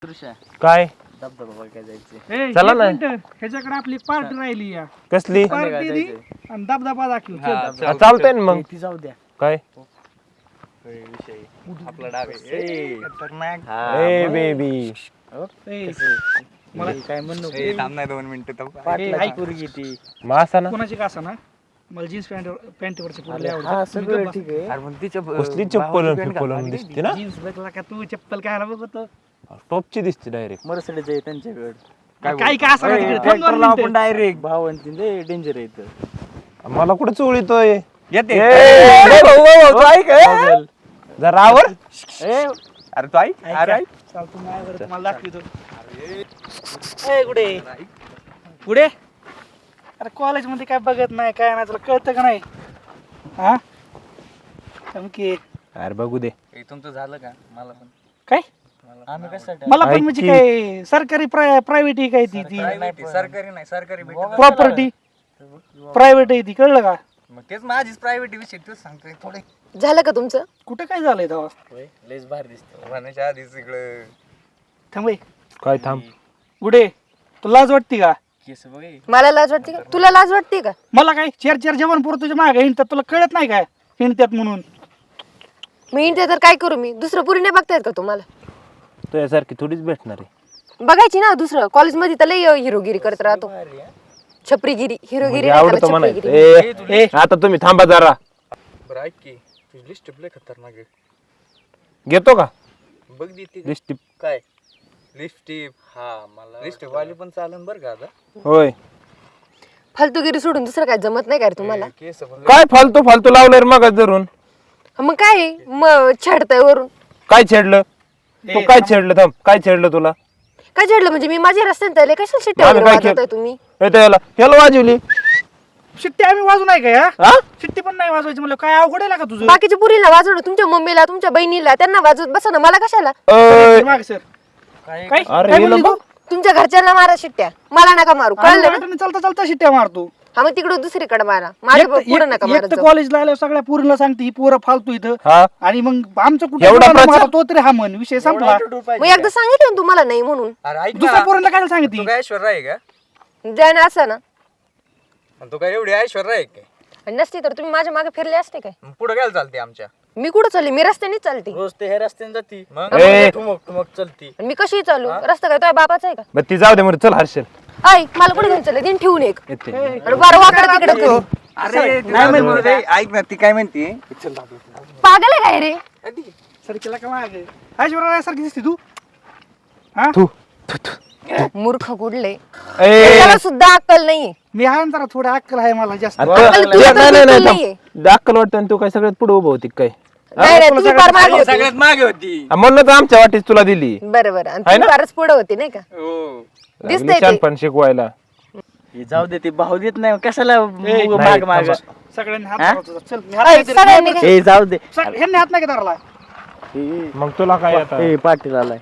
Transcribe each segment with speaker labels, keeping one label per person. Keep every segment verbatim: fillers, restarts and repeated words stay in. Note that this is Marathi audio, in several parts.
Speaker 1: काय
Speaker 2: धबधबा काय जायचे
Speaker 3: ए,
Speaker 1: चला
Speaker 3: एक
Speaker 1: ना.
Speaker 3: मिनिटं. ह्याच्याकडे आपली पार्टी राहिली या
Speaker 1: कसली
Speaker 3: पार्टी दी आणि धबधबा दाखव चल.
Speaker 1: हा, चालतंय ना मग
Speaker 2: ती जाऊ द्या
Speaker 1: काय
Speaker 2: विषय आपला डावे खतरनाक
Speaker 1: ए बेबी
Speaker 3: ए,
Speaker 2: मला काय म्हणू
Speaker 4: थांब नाही दोन मिनिटं
Speaker 2: पाटला पोरगी ती
Speaker 1: मासा ना
Speaker 3: कोणाची का ना मला जीन्स पॅन्ट पॅन्टवरचे पोरले
Speaker 2: हा
Speaker 3: आवडतात
Speaker 2: सगळं ठीक आहे
Speaker 4: अरे पण तिच्या
Speaker 1: कसली चप्पल फिप्पल दिसते ना
Speaker 3: जीन्स बघला का तू चप्पल काय बघतो
Speaker 1: टॉपची दिसते डायरेक्ट
Speaker 2: मर्सिडीज आहे त्यांच्याकडे
Speaker 3: काय काय असं तिकडे थांब दोन
Speaker 2: आपण
Speaker 3: मिनिटं.
Speaker 2: डायरेक्ट भावंती लय डेंजर आहे इथं
Speaker 1: मला कुठे चोळीतोय
Speaker 4: येते
Speaker 2: पागल.
Speaker 1: जरा आवर
Speaker 2: ए,
Speaker 4: अरे तू ऐक अरे ऐक
Speaker 3: चाल तू माझ्यावर तुम्हाला दाखवतो ए कुठे कुठे अरे कॉलेज मध्ये काय बघत नाही काय नाही तुला कळतं का नाही हा की
Speaker 1: अरे बघू दे
Speaker 4: हे तुमचं झालं का मला पण
Speaker 3: काय
Speaker 2: आम्ही कशासाठी
Speaker 3: मला पण
Speaker 1: ऐक
Speaker 3: म्हणजे
Speaker 1: की.
Speaker 3: काय सरकारी प्रायव्हेट ही काय ती ती
Speaker 4: प्रायव्हेट सरकारी नाही सरकारी भेटत
Speaker 3: प्रॉपर्टी प्रायव्हेट आहे ती कळलं का
Speaker 4: मग तेच माझीच प्रायव्हेट विषय तूच सांगतोय थोडे
Speaker 5: झालं का तुमचं?
Speaker 3: कुठे काय झालंय तेव्हा
Speaker 2: होय, लयच भारी दिसतो
Speaker 4: म्हणायच्या आधीच इकडं
Speaker 3: थांबय
Speaker 1: काय थांब
Speaker 3: गुडे तुला लाज वाटते का
Speaker 2: केस बघे
Speaker 5: मला लाज वाटते का? तुला लाज वाटते का?
Speaker 3: मला काय चार चार जेवण पुरं तुझ्या मागे हिंडतात तुला कळत नाही काय हिंडतात म्हणून
Speaker 5: मी इंटे तर काय करू मी दुसरं पुरी नाही बघतायत का तुम्हाला?
Speaker 1: तुझ्यासारखी थोडीच भेटणार आहे
Speaker 5: बघायची ना दुसरं कॉलेजमध्ये तर लय हिरोगिरी करत राहतो छपरीगिरी हिरोगिरी
Speaker 1: म्हणजे
Speaker 5: नाही
Speaker 1: आवडतो
Speaker 5: करत,
Speaker 1: म्हणायचं
Speaker 5: छपरीगिरी.
Speaker 1: ए, आता तुम्ही थांबा जरा
Speaker 4: बरं ऐक की तुझी लिस्ट लय खतरनाक आहे
Speaker 1: घेतो का
Speaker 4: बघ दी ती
Speaker 1: लिस्टिप
Speaker 4: काय लिपस्टिक हा मला लिपस्टिक वाली पण चालन बरं का आता
Speaker 1: होय
Speaker 5: फालतूगिरी सोडून दुसरं काय जमत नाही का रे तुम्हाला?
Speaker 4: केस पण
Speaker 1: काय फालतू फालतू लावलंय रे मग धरून
Speaker 5: मग काय मग छेडताय वरून
Speaker 1: काय छेडलं तू
Speaker 3: ए,
Speaker 1: काय
Speaker 3: थांब.
Speaker 1: छेडलं थांब काय छेडलं तुला
Speaker 5: काय छेडलं म्हणजे मी माझ्या रस्त्यात आले कशाला शिट्टी
Speaker 1: आम्ही
Speaker 5: वगैरे
Speaker 1: काय
Speaker 5: वाजवताय
Speaker 1: केलं?
Speaker 5: तुम्ही?
Speaker 1: ए, त्याला ह्याला वाजवली
Speaker 3: शिट्टी आम्ही वाजू नाही काय
Speaker 1: हा
Speaker 3: शिट्टी पण नाही वाजवायची म्हणलं काय अवघड आहे का तुझं
Speaker 5: बाकीच्या पुरीला वाजवणं तुमच्या मम्मीला तुमच्या बहिणीला त्यांना वाजवत बसा ना मला कशाला?
Speaker 1: अय,
Speaker 3: माग सर
Speaker 2: काय
Speaker 3: काय
Speaker 1: अरे
Speaker 3: काय
Speaker 1: हिला
Speaker 3: म्हणली तू?
Speaker 1: बघ.
Speaker 5: तुमच्या घरच्यांना मारा शिट्ट्या मला नका मारू
Speaker 3: आम्ही
Speaker 5: कळलं ना?
Speaker 3: वाटेने चालता चालता शिट्ट्या मारतो
Speaker 5: हा मग तिकडे दुसरीकडे मारा माझ्या पुढे नका
Speaker 3: एक
Speaker 5: मारत
Speaker 3: तर
Speaker 5: जाऊ.
Speaker 3: कॉलेजला आल्यावर सगळ्या पोरीला सांगते ही पोरं फालतू इथं
Speaker 1: हा
Speaker 3: आणि मग आमचं कुठे
Speaker 1: एवढा
Speaker 3: मुलांना
Speaker 1: प्रचार?
Speaker 3: मारा, तो तरी हा म्हण विषय संपला
Speaker 5: मग एकदा सांगितलं ना तुम्हाला नाही म्हणून
Speaker 4: अरे ऐक
Speaker 3: दुसऱ्या
Speaker 4: ना
Speaker 3: पोरांना काय सांगते
Speaker 4: तू काय ऐश्वर्या आहे का
Speaker 5: जाय ना असं ना
Speaker 4: आणि तू काय एवढी ऐश्वर्या आहे काय
Speaker 5: आणि नसती तर तुम्ही माझ्या मागे फिरले असते काय?
Speaker 4: मग पुढे काय चालते आमच्या
Speaker 5: मी कुठं चालली मी रस्त्यानेच चालते
Speaker 2: रोज ते हे रस्त्याने जाती
Speaker 4: मग
Speaker 1: ए.
Speaker 2: ठुमक ठुमक चलती
Speaker 5: आणि मी कशी चालू रस्ता काय तो बापाचा आहे का?
Speaker 1: बरं ती जाऊ दे म्हणून चल हर्षल
Speaker 5: आई मला कुठे घेऊन चालले दिन ठेवून एक
Speaker 1: येते
Speaker 5: आणि बारा वाकडं तिकडे करू.
Speaker 4: अरे नाही म्हणते ऐक ना ती काय म्हणते
Speaker 5: पागल आहे काय रे?
Speaker 3: सरकीला का माग ऐश्वर्या सारखी दिसते तू
Speaker 1: तू
Speaker 5: मूर्ख कुठले
Speaker 1: ए
Speaker 5: त्याला सुद्धा अक्कल नाहीये.
Speaker 3: मी आहे ना जरा थोडं अक्कल आहे मला जास्त
Speaker 1: आता-
Speaker 5: अक्कल तुला
Speaker 1: नाही
Speaker 5: तर
Speaker 1: नाही नाही
Speaker 5: बिलकुल
Speaker 1: थांब.
Speaker 5: नाहीये.
Speaker 1: दाखल वाटतं आणि तू काय सगळ्यात पुढे उभं होती काय
Speaker 5: नाही नाही तुम्ही फार मागे होते.
Speaker 4: सगळ्यात मागे होती
Speaker 1: हा, म्हणूनच आमच्या वाटीच तुला दिली
Speaker 5: बरं बरं आणि
Speaker 1: आहे
Speaker 5: तुम्ही
Speaker 1: ना?
Speaker 5: फारच पुढे होते नाही का?
Speaker 4: हो
Speaker 5: दिसतंय ते.
Speaker 1: पण शिकवायला
Speaker 2: हे जाऊ दे ते भाऊ देत नाही कशाला
Speaker 3: ए,
Speaker 2: मुग माग माग
Speaker 1: थांबा.
Speaker 3: सगळ्यांनी हात
Speaker 2: हा?
Speaker 3: धरला तुझा. चल मी हात
Speaker 5: आई,
Speaker 3: नाही धरत.
Speaker 5: सगळ्यांनी काय-
Speaker 2: ए जाऊ दे
Speaker 3: सग- ह्यांनी हात नाही का धरला
Speaker 1: मग तुला काय आता
Speaker 2: ए पाटील आलाय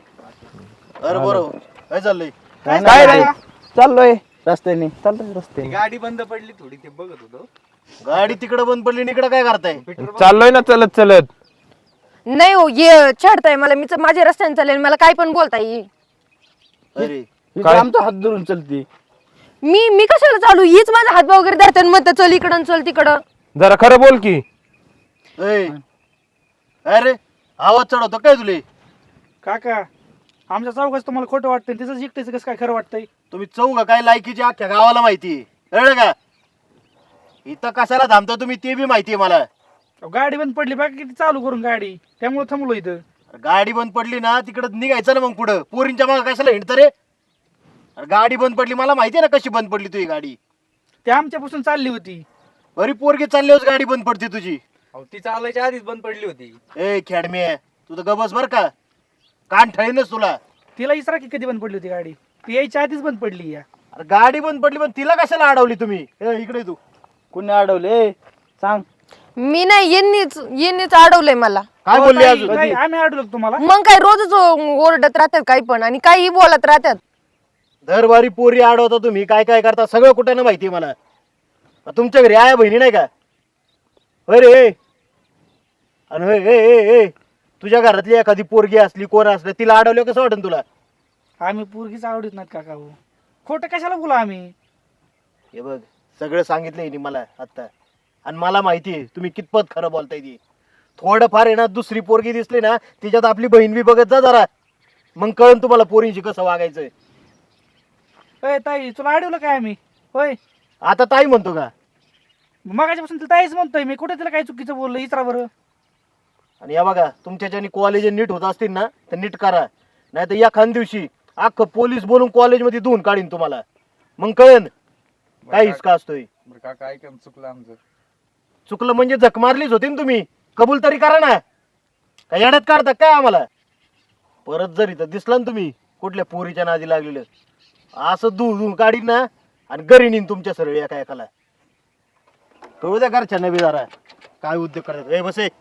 Speaker 6: अरे बरोबर काय चाललंय
Speaker 3: काय
Speaker 1: काय
Speaker 3: नाही
Speaker 1: रे चाललोय
Speaker 2: रस्त्याने
Speaker 1: चालतोय रस्ते
Speaker 4: गाडी बंद पडली थोडी ते बघत होतो
Speaker 6: गाडी तिकडे बंद पडली आणि इकडे काय करताय
Speaker 1: चाललोय ना चलत चलत
Speaker 5: नाही हो ये चढताय मला मी च- माझ्या रस्त्याने चालेल मला काय पण बोलता येईल.
Speaker 6: अरे
Speaker 1: काय?
Speaker 2: आमचा हात धरून चलती
Speaker 5: मी मी कशाला चालू हीच माझा हातभाव वगैरे धरते आणि म्हणतात चल इकडं आणि चल तिकडं.
Speaker 1: जरा खरं बोल की
Speaker 6: ए, अरे आवाज चढवतो काय तुले
Speaker 3: काका आमच्या चौकाच तुम्हाला खोटं वाटतंय तिचं जिकटेच कसं काय खरं वाटतंय
Speaker 6: तुम्ही चौघ काय लायकीची अख्ख्या गावाला माहिती कळलं का इथं कशाला थांबता तुम्ही ते बी माहितीये मला
Speaker 3: अहो, गाडी बंद पडली बाकी किती चालू करून गाडी त्यामुळे थांबलो इथं
Speaker 6: गाडी बंद पडली ना तिकडं निघायचं ना मग पुढं पोरींच्या मागे कशाला हिंडत रे अरे गाडी बंद पडली मला माहितीये ना कशी बंद पडली तुझी गाडी
Speaker 3: ते आमच्यापासून चालली होती
Speaker 6: बरी पोरगी चालल्यावर गाडी बंद पडते तुझी
Speaker 4: अहो ती चालायच्या आधीच बंद पडली होती
Speaker 6: ए खेडमे तुझं गबस बर का कान ठळीनच तुला
Speaker 3: तिला इसरा की कधी बंद पडली होती गाडी ती यायच्या आधीच बंद पडली या
Speaker 6: अरे गाडी बंद पडली पण तिला कशाला अडवली तुम्ही ए, इकडे तू
Speaker 2: कुणी अडवले सांग
Speaker 5: मी नाही यांनीच यांनीच अडवलंय मला.
Speaker 6: काय बोलली
Speaker 3: ताई,
Speaker 6: अजून
Speaker 3: ताई, आम्ही अडवलो का तुम्हाला
Speaker 5: मग काय रोजच ओरडत राहतात काही पण आणि काही बोलत राहतात.
Speaker 6: दरबारी पोरी अडवता तुम्ही काय काय करता सगळं कुठं ना माहिती मला तुमच्या घरी आया बहिणी नाही का होय रे आणि होय ए ए ए तुझ्या घरातली एखादी पोरगी असली कोण असली तिला अडवलं कसं वाटेल तुला
Speaker 3: आम्ही पोरगीच आवडत नाहीत काका हो. खोटं कशाला बोला आम्ही.
Speaker 6: हे बघ सगळं सांगितलंय हिने मला आता, आणि मला माहिती आहे तुम्ही कितपत खरं बोलताय ती. थोडंफार आहे ना दुसरी पोरगी दिसली ना तिच्यात आपली बहीण बी बघत जा जरा, मग कळन तुम्हाला पोरींशी कसं वागायचंय.
Speaker 3: अय ताई तुला अडवलं काय आम्ही होय.
Speaker 6: आता ताई म्हणतो का?
Speaker 3: मगाच्यापासून तिला ताईच म्हणतोय मी. कुठे तिला काय चुकीचं बोललं इतरा बरं.
Speaker 6: आणि या बघा तुमच्याच्यानी कॉलेज नीट होत असतील ना तर नीट करा, नाही तर एखाद दिवशी अख्खं पोलीस बोलून कॉलेजमध्ये धुवून काढीन तुम्हाला, मग कळन काय हिसका असतोय.
Speaker 4: बरं काका ऐका ना, चुकलं आमचं.
Speaker 6: चुकलं म्हणजे जख मारलीच होती ना तुम्ही, कबूल तरी करा ना. काय येड्यात काढता काय आम्हाला? परत जर इथं दिसला ना तुम्ही कुठल्या पोरीच्या नादी लागलेलं, असं धुवून धुवून काढीन ना आणि घरी नेईन तुमच्या सरळ एका एकाला. कळू द्या घरच्यांना बी जरा काय उद्योग करतात. ए बसे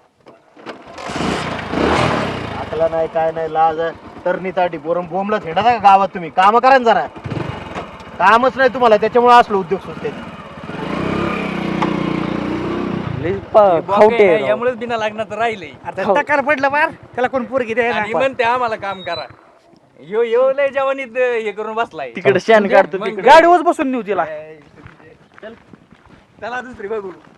Speaker 6: आकला नाही काय नाही लाज तरणी ताटी पोरं बोंबला थेडा का गावात. तुम्ही काम करा ना जरा, कामच नाही तुम्हाला त्याच्यामुळे असलो उद्योग सुचते.
Speaker 4: यामुळेच बिना लग्नात राहिले.
Speaker 3: आता टकार पडलं बार त्याला कोण पोरगी द्यायला.
Speaker 4: आणि म्हणते आम्हाला काम करा. यो यो लय जवानीत हे करून बसलाय.
Speaker 2: तिकडे शेण काढतो तिकडे.
Speaker 3: गाडीवर बसून नेऊ तिला.
Speaker 4: त्याला दुसरी बघू.